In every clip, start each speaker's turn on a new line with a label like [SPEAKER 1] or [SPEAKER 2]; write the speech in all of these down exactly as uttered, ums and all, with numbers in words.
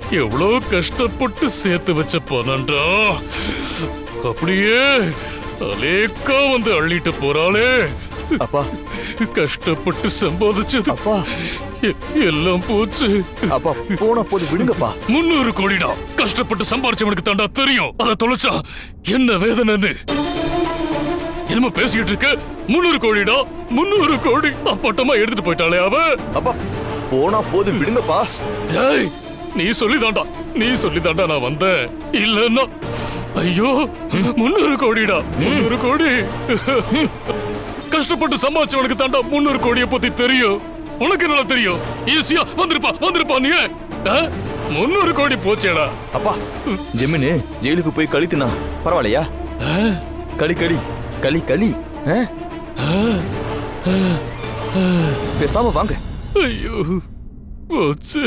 [SPEAKER 1] எவ்வளவு கஷ்டப்பட்டு சேர்த்து வச்ச பணம்டா, அப்படியே அலேக்கா வந்து அள்ளிட்டு போறாளே.
[SPEAKER 2] அப்பா,
[SPEAKER 1] கஷ்டப்பட்டு சம்பாதிச்சது
[SPEAKER 2] அப்பா
[SPEAKER 1] எல்லாம் போச்சு.
[SPEAKER 2] அப்பா போன போது விடுங்கப்பா.
[SPEAKER 1] முன்னூறு கோடிடா, கஷ்டப்பட்டு சம்பாரிச்சவனுக்கு தாண்டா தெரியும் அதை தொலைச்சா என்ன வேதனைன்னு. என்னமோ பேசிக்கிட்டு இருக்க. முன்னூறு கோடிடா, முன்னூறு கோடி அப்பட்டமா எடுத்துட்டு போயிட்டாளே அவ.
[SPEAKER 2] அப்பா போனா போது விடுங்கப்பா.
[SPEAKER 1] டேய், நீ சொல்லிதாண்டா நீ சொல்லிதாண்டா நான் வந்தேன். இல்லன்னா ஐயோ முன்னூறு கோடிடா, முன்னூறு கோடி. கஷ்டப்பட்டு சம்பாதிச்சவனுக்கு தாண்டா முன்னூறு கோடியை பத்தி தெரியும். உனக்கு என்ன தெரியும்? ஈஸியா வந்திருப்பா வந்திருப்பா நீ. முன்னூறு கோடி போச்சேடா.
[SPEAKER 2] அப்பா ஜெமினு ஜெயிலுக்கு போய் கழித்துனா பரவாயில்லையா? களி களி களி களி பேசாம வாங்க.
[SPEAKER 1] ஐயோ போச்சு.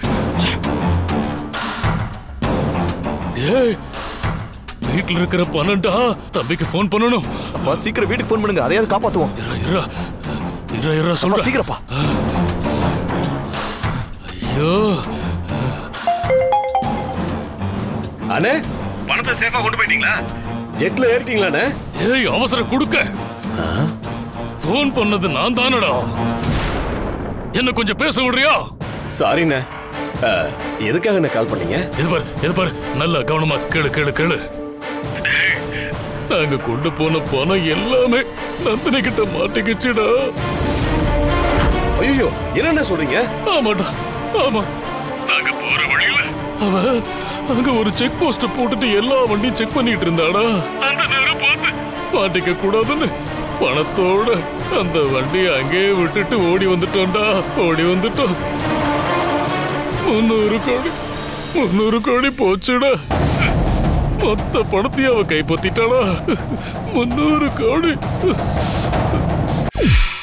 [SPEAKER 1] ஏய், வீட்டுல இருக்கிற பணம்டா, தம்பிக்கு போன் பண்ணணும்.
[SPEAKER 2] அப்பா சீக்கிரம் வீட்டுக்கு போன் பண்ணுங்க, அதையாவது காப்பாத்துவோம்.
[SPEAKER 1] இரா இரா இரா இரா சொல்ற
[SPEAKER 2] சீக்கிரப்பா.
[SPEAKER 1] ஐயோ
[SPEAKER 3] அண்ணே,
[SPEAKER 4] பணத்தை சேஃபா கொண்டு போயிட்டீங்களா?
[SPEAKER 3] ஜெட்ல ஏறிட்டீங்களாண்ணே?
[SPEAKER 1] ஏய், அவசரம் கொடுக்க. போன் பண்ணது நான் தானடா. என்ன கொஞ்சம் பேச விடுறியா?
[SPEAKER 3] சாரிண்ணே, எதுக்காக என்ன கால் பண்ணீங்க?
[SPEAKER 1] இது பாரு இது பாரு நல்ல கவனமா கேளு கேளு கேளு. நாங்க கொண்டு போன பணம் எல்லாமே நந்தினி கிட்ட மாட்டிக்கிச்சுடா.
[SPEAKER 3] ஐயோ, என்னென்ன சொல்றீங்க?
[SPEAKER 1] ஆமாடா, ஆமா. நாங்க போற வழியில அவ அங்க ஒரு செக் போஸ்ட் போட்டுட்டு எல்லா வண்டியும் செக் பண்ணிட்டு இருந்தாடா. அந்த நேரம் பார்த்து மாட்டிக்க கூடாதுன்னு பணத்தோட அந்த வண்டியை அங்கேயே விட்டுட்டு ஓடி வந்துட்டோம்டா. ஓடி வந்துட்டோம். முன்னூறு கோடி முன்னூறு கோடி போச்சுடா. மொத்த பணத்தையும் அவ கைப்பற்றிட்டாளா. முன்னூறு கோடி.